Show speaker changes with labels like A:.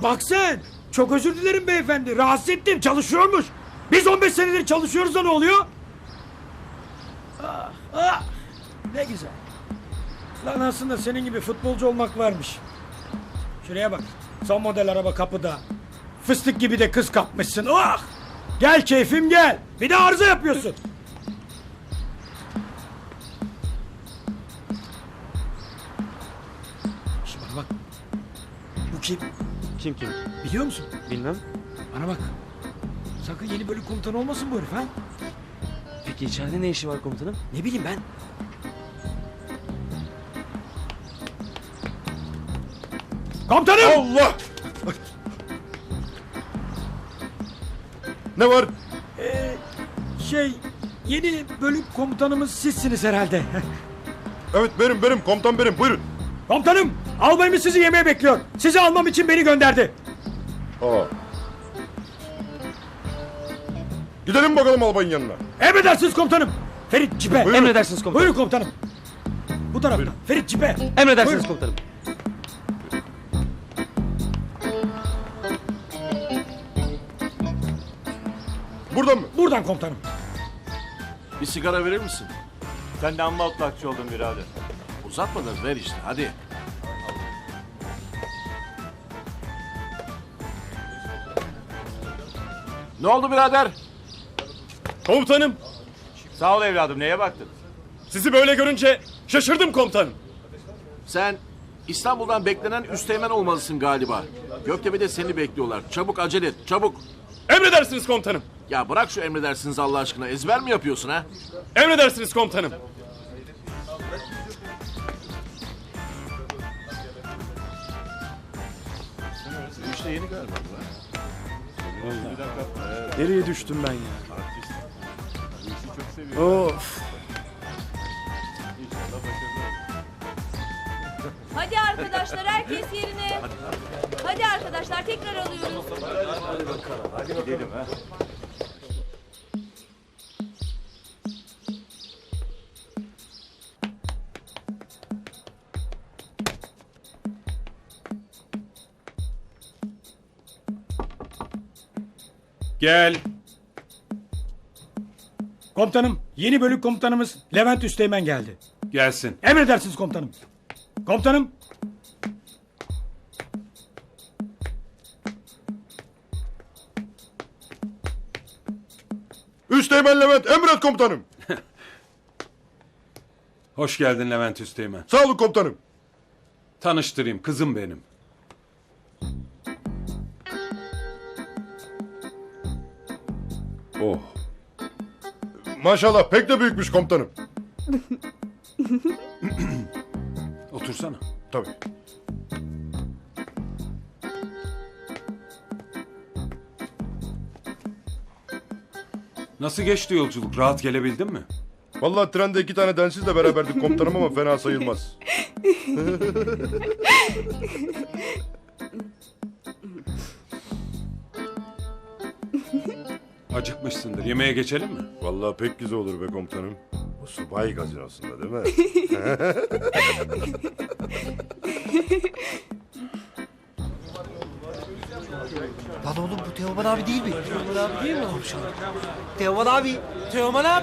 A: Bak sen. Çok özür dilerim beyefendi. Rahatsız ettim. Çalışıyormuş. Biz 15 senedir çalışıyoruz da ne oluyor? Ah, ah. Ne güzel. Lan aslında senin gibi futbolcu olmak varmış. Şuraya bak. Son model araba kapıda. Fıstık gibi de kız kapmışsın. Ah! Gel keyfim gel. Bir de arıza yapıyorsun. Şimdi bana bak. Bu kim?
B: Kim?
A: Biliyor musun?
B: Bilmem.
A: Bana bak. Sakın yeni bölük komutanı olmasın bu herif ha?
B: Peki içeride ne işi var komutanım?
A: Ne bileyim ben. Komutanım!
C: Allah! Ne var?
A: Yeni bölük komutanımız sizsiniz herhalde.
C: Evet benim komutan benim buyurun.
A: Komutanım, albayımız sizi yemeğe bekliyor. Sizi almam için beni gönderdi.
C: Aa. Gidelim bakalım albayın yanına.
A: Emredersiniz komutanım. Ferit cipe.
C: Buyurun.
B: Emredersiniz komutanım.
A: Buyurun komutanım. Bu tarafta.
C: Buyurun.
A: Ferit cipe.
B: Emredersiniz
A: Buyurun.
B: komutanım.
C: Buradan mı?
A: Buradan komutanım.
D: Bir sigara verir misin?
E: Sen de amma otlakçı oldun birader.
D: Uzatma da ver işte hadi. Ne oldu birader?
E: Komutanım. Sağ ol evladım, neye baktın?
C: Sizi böyle görünce şaşırdım komutanım.
D: Sen İstanbul'dan beklenen üsteğmen olmalısın galiba. Göktepe'de seni bekliyorlar. Çabuk acele et çabuk.
C: Emredersiniz komutanım.
D: Ya bırak şu emredersiniz Allah aşkına. Ezber mi yapıyorsun ha?
C: Emredersiniz komutanım.
D: İşte yeni galiba.
A: Nereye düştüm ben ya? Of.
F: Hadi arkadaşlar herkes yerine. Hadi arkadaşlar tekrar alıyoruz.
E: Gidelim ha.
C: Gel.
A: Komutanım, yeni bölük komutanımız Levent Üsteğmen geldi.
C: Gelsin.
A: Emredersiniz komutanım. Komutanım.
C: Üsteğmen Levent emret komutanım.
G: Hoş geldin Levent Üsteğmen.
C: Sağ olun komutanım.
G: Tanıştırayım, kızım benim. Oh,
C: Maşallah pek de büyükmüş komutanım.
G: otursana.
C: Tabii.
G: Nasıl geçti yolculuk? Rahat gelebildin mi?
C: Vallahi trende 2 tane densizle beraberdik komutanım ama fena sayılmaz.
G: Acıkmışsındır. Yemeğe geçelim mi?
C: Vallahi pek güzel olur be komutanım. Bu subay gazinosunda değil mi?
H: Lan oğlum bu Teoman abi değil mi? Teoman abi değil mi? Teoman abi. Teoman abi.